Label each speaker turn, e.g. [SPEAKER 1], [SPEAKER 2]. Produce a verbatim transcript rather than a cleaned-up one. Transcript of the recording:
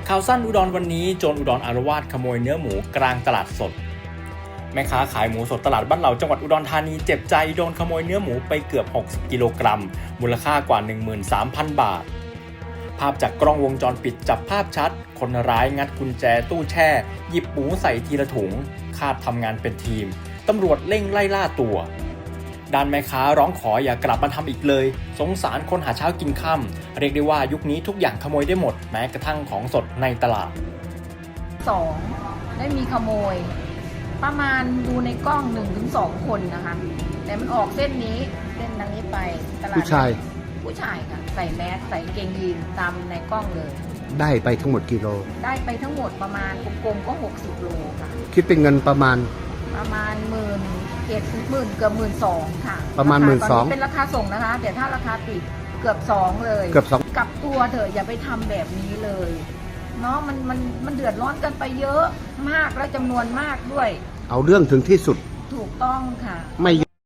[SPEAKER 1] ข่าวสั้นอุดรวันนี้โจรอุดรอาละวาดขโมยเนื้อหมูกลางตลาดสดแม่ค้าขายหมูสดตลาดบ้านเหล่าจังหวัดอุดรธานีเจ็บใจโดนขโมยเนื้อหมูไปเกือบหกสิบกิโลกรัมมูลค่ากว่า หนึ่งหมื่นสามพัน บาทภาพจากกล้องวงจรปิดจับภาพชัดคนร้ายงัดกุญแจตู้แช่หยิบหมูใส่ทีละถุงคาดทำงานเป็นทีมตำรวจเร่งไล่ล่าตัวด้านแม่ค้าร้องขออย่ากลับมาทำอีกเลยสงสารคนหาเช้ากินค่ำเรียกได้ว่ายุคนี้ทุกอย่างขโมยได้หมดแม้กระทั่งของสดในตลาด
[SPEAKER 2] สองได้มีขโมยประมาณดูในกล้องหนึ่งถึงสองคนนะคะแต่มันออกเส้นนี้เส้นทางนี้ไปตลาด
[SPEAKER 3] ผู้ชาย
[SPEAKER 2] ผู้ชายค่ะใส่แมสใส่เกงยีนตามในกล้องเลย
[SPEAKER 3] ได้ไปทั้งหมดกี่โล
[SPEAKER 2] ได้ไปทั้งหมดประมาณกลมๆก็หกสิบโลค่ะ
[SPEAKER 3] คิดเป็นเงินประมาณ
[SPEAKER 2] ประมาณหมื่นเจ็ดหมื่นเกือบหมื่นสองค่ะ
[SPEAKER 3] ประมาณหมื่นสอง
[SPEAKER 2] เป็นราคาส่งนะคะแต่ถ้าราคาปิดเกือบสองเลย
[SPEAKER 3] เกือบสอง
[SPEAKER 2] กับตัวเถอะอย่าไปทำแบบนี้เลยเนาะมันมันมันเดือดร้อนกันไปเยอะมากและจำนวนมากด้วย
[SPEAKER 3] เอาเรื่องถึงที่สุด
[SPEAKER 2] ถูกต้องค่ะ
[SPEAKER 3] ไม่